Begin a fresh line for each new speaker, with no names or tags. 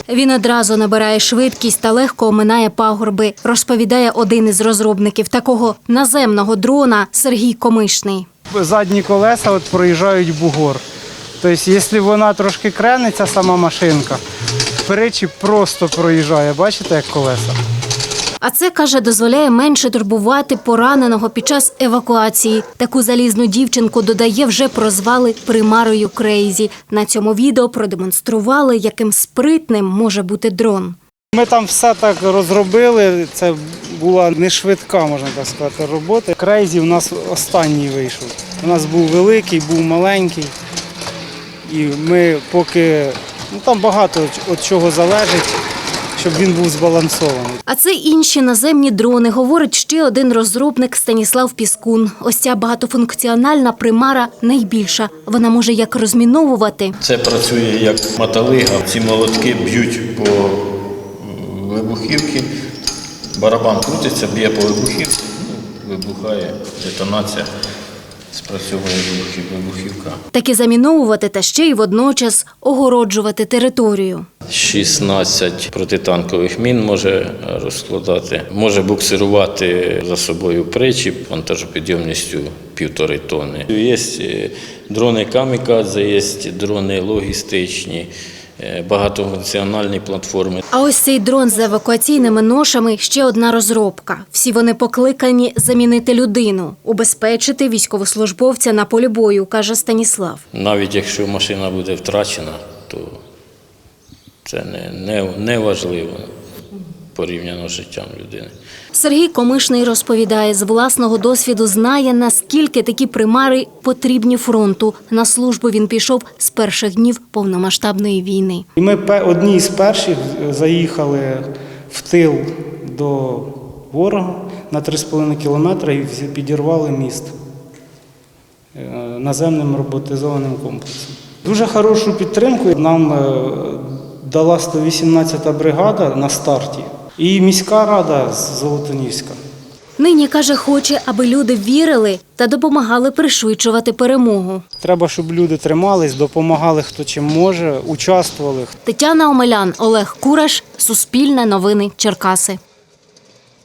Він одразу набирає швидкість та легко оминає пагорби, розповідає один із розробників такого наземного дрона Сергій Комишний.
Задні колеса проїжджають бугор. Тобто, якщо вона трошки крениться, сама машинка, передчіп просто проїжджає. Бачите, як колеса?
А це, каже, дозволяє менше турбувати пораненого під час евакуації. Таку залізну дівчинку, додає, вже прозвали примарою Крейзі. На цьому відео продемонстрували, яким спритним може бути дрон.
Ми там все так розробили, це була не швидка, можна так сказати, робота. Крейзі у нас останній вийшов. У нас був великий, був маленький. І ми поки, там багато від чого залежить, щоб він був збалансований.
А це інші наземні дрони, говорить ще один розробник Станіслав Піскун. Ось ця багатофункціональна примара найбільша. Вона може як розміновувати.
Це працює як мотолига. Ці молотки б'ють по вибухівці, барабан крутиться, б'є по вибухівці, вибухає детонація. Спрацьовує вибухівка.
Таки заміновувати та ще й водночас огороджувати територію.
16 протитанкових мін може розкладати, може буксирувати за собою причіп вантажопідйомністю 1,5 тонни. Є дрони камікадзе, є дрони логістичні, багатофункціональні платформи.
А ось цей дрон з евакуаційними ношами – ще одна розробка. Всі вони покликані замінити людину, убезпечити військовослужбовця на полі бою, каже Станіслав.
Навіть якщо машина буде втрачена, то це не важливо порівняно з життям людини.
Сергій Комишний розповідає, з власного досвіду знає, наскільки такі примари потрібні фронту. На службу він пішов з перших днів повномасштабної війни.
І ми одні з перших заїхали в тил до ворога на 3,5 кілометри і підірвали міст наземним роботизованим комплексом. Дуже хорошу підтримку нам дала 118-та бригада на старті і міська рада з Золотоніська.
Нині, каже, хоче, аби люди вірили та допомагали пришвидшувати перемогу.
Треба, щоб люди тримались, допомагали хто чим може, участвували.
Тетяна Омелян, Олег Кураш, Суспільне новини, Черкаси.